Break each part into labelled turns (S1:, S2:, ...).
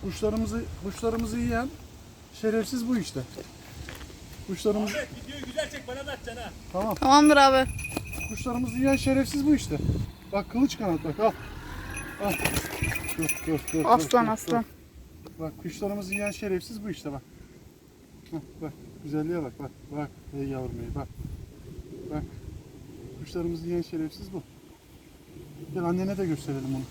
S1: Kuşlarımızı yiyen şerefsiz bu işte. Kuşlarımız.
S2: Ahmet videoyu güzel çek, bana da atacaksın ha.
S1: Tamam.
S3: Tamamdır abi.
S1: Kuşlarımızı yiyen şerefsiz bu işte. Bak kılıç kanat bak al. Al. Dur.
S3: Aslan aslan.
S1: Bak kuşlarımızı yiyen şerefsiz bu işte bak. Bak güzelliğe bak. Bak ey yavrum ey bak. Bak. Kuşlarımızı yiyen şerefsiz bu. Gel annene de gösterelim onu.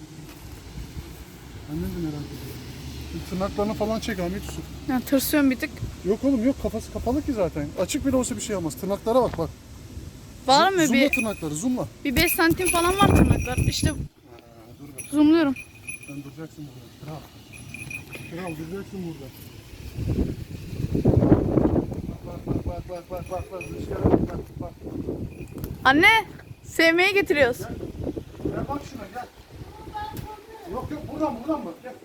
S1: Annen de merak ediyor. Tırnaklarını falan çek Ahmet Yusuf.
S3: Ya, tırsıyorum bir tık.
S1: Yok oğlum yok, kafası kapalı ki zaten. Açık bile olsa bir şey olmaz. Tırnaklara bak.
S3: Var mı
S1: Zoomla
S3: bir
S1: tırnakları zoomla.
S3: 5 santim falan var tırnaklar. İşte
S1: Dur bak.
S3: zoomluyorum.
S1: Sen duracaksın burada. Kral duracaksın burada. Bak. Rüzgara bak.
S3: Anne, sevmeye getiriyoruz.
S1: Gel bak şuna gel. Yok buradan bak gel.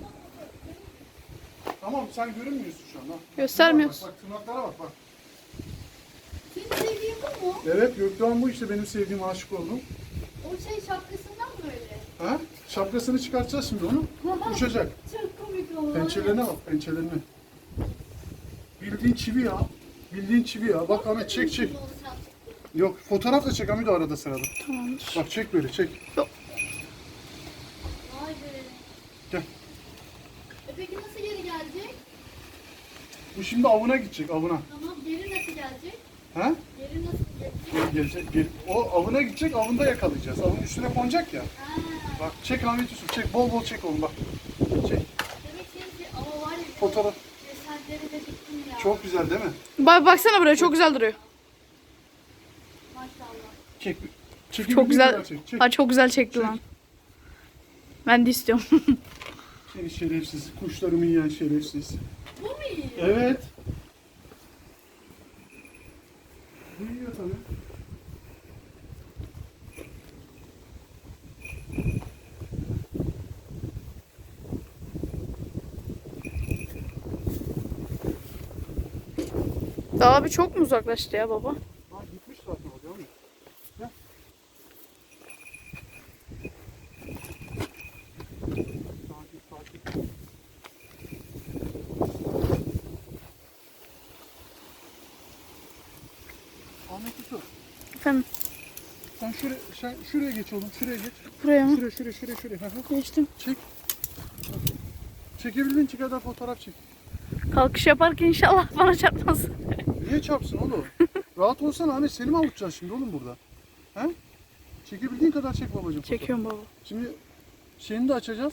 S1: Tamam sen görünmüyorsun şu an. Ha.
S3: Göstermiyoruz.
S1: Bak tırnaklara bak.
S4: Senin sevdiğin bu mu?
S1: Evet Gökdoğan bu işte benim sevdiğim, aşık oldum.
S4: O şey şapkasından mı öyle?
S1: Ha? Şapkasını çıkartacağız şimdi onu. Uçacak.
S4: Çok komik oldu.
S1: Pençelerine bak pençelerine. Bildiğin çivi ya. Bak Ahmet çek. Yok fotoğraf da çek Ahmet arada sırada.
S3: Tamamdır.
S1: Bak çek böyle çek.
S4: Vay be.
S1: Gel.
S4: Peki nasıl geri gelecek?
S1: Bu şimdi avına gidecek avına.
S4: Tamam, geri nasıl gelecek?
S1: Ha?
S4: Geri nasıl gelecek?
S1: Gel. O avına gidecek, avında yakalayacağız. Avın üstüne konacak ya.
S4: Ha.
S1: Bak çek Ahmet Yusuf çek, bol çek oğlum bak. Çek.
S4: Demek ki ama var ya.
S1: Fotoğraf.
S4: Desenleri de bittim ya.
S1: Çok güzel değil mi?
S3: Baksana buraya, çok güzel duruyor.
S4: Maşallah.
S1: Çek.
S3: Çok güzel.
S1: Çek.
S3: Ha, çok güzel çekti
S1: Çek.
S3: lan. Ben de istiyorum.
S1: Seni şerefsiz, kuşlarımı yiyen şerefsiz.
S4: Bu mu iyi?
S1: Evet. Bu yiyor tabii.
S3: Daha bir çok mu uzaklaştı ya baba?
S1: Ha gitmiş zaten o değil mi? Gel. Sakin. Ahmet Yusuf,
S3: Efendim,
S1: sen şuraya geç oğlum, şuraya geç.
S3: buraya mı?
S1: Şuraya. Hı hı.
S3: Geçtim.
S1: Çek. Çekebildiğin kadar fotoğraf çek.
S3: Kalkış yaparken inşallah bana çarpmaz.
S1: Niye çarpsın oğlum? Rahat olsana Ahmet, seni mi avutacağız şimdi oğlum burada? He? Çekebildiğin kadar çek babacığım.
S3: Çekiyorum baba.
S1: Şimdi şeyini de açacağız.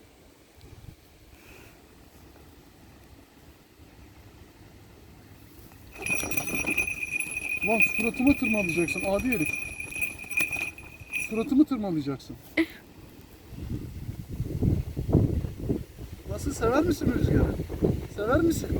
S1: Lan suratımı tırmalayacaksın adi herif. Suratımı tırmalayacaksın. Nasıl, sever misin rüzgarı? Sever misin?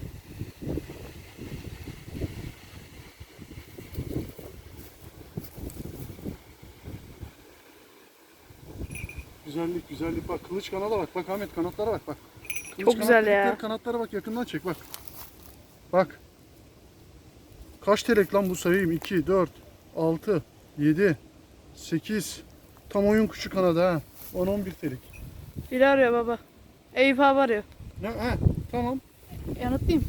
S1: Güzellik bak, kılıç kanala bak Ahmet, kanatlara bak. Kılıç
S3: Çok güzel ya.
S1: delikleri, kanatlara bak, yakından çek bak. Bak. Kaç telek lan bu, sayayım? 2, 4, 6, 7, 8. Tam oyun kuşu kanadı ha. 10-11 telek.
S3: Biri arıyor baba. Eyüp abi arıyor.
S1: Tamam.
S3: Yanıtlayayım.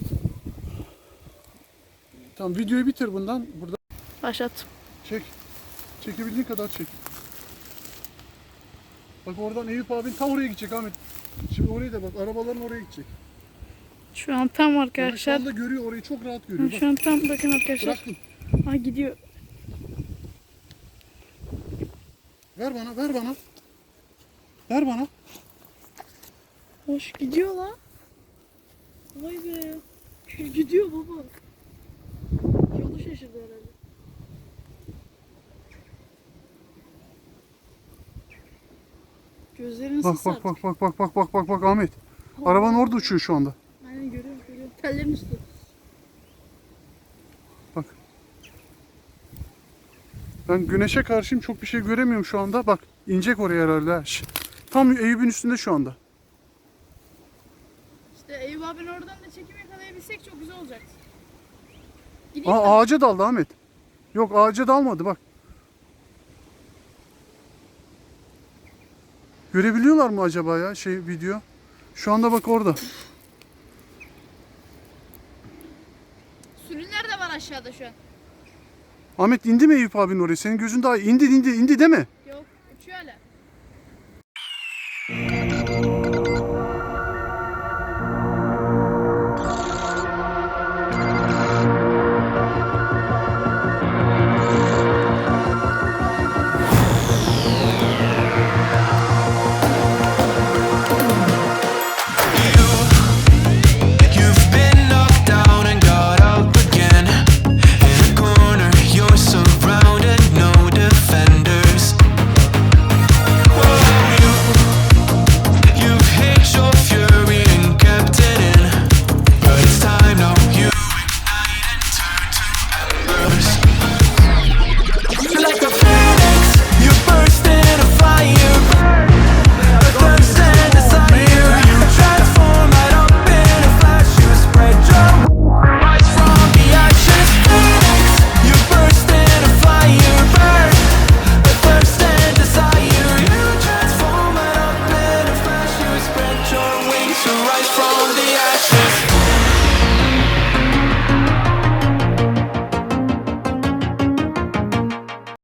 S1: Tamam videoyu bitir bundan. Burada
S3: Başlat.
S1: çek. Çekebildiğin kadar çek. Bak oradan Eyüp abin tam oraya gidecek Ahmet. Şimdi oraya da bak, arabaların oraya gidecek.
S3: Şu an tam
S1: Yani şu
S3: arkadaşlar.
S1: anda görüyor orayı, çok rahat görüyor.
S3: Şu an tam bakın arkadaşlar.
S1: Bıraktım.
S3: Ha, gidiyor.
S1: Ver bana. Ver bana.
S3: Hoş gidiyor lan. Vay be. Gidiyor baba. Yolu şaşırdı herhalde. Gözleri nasıl sardı?
S1: Bak Ahmet. Araban orada uçuyor şu anda.
S3: Aynen görüyorum. Tellerin üstü.
S1: Bak. Ben güneşe karşıyım, çok bir şey göremiyorum şu anda. Bak inecek oraya herhalde. Tam Eyüp'ün üstünde şu anda.
S3: İşte Eyüp abinin oradan da çekim yakalayabilsek çok güzel olacak. Gideyim mi?
S1: Ağaca daldı Ahmet. Yok ağaca dalmadı bak. Görebiliyorlar mı acaba ya video? Şu anda bak orada.
S3: Sürüler de var aşağıda şu an.
S1: Ahmet indi mi Eyüp abinin oraya? Senin gözün daha indi değil mi?
S3: Yok uçuyor hala.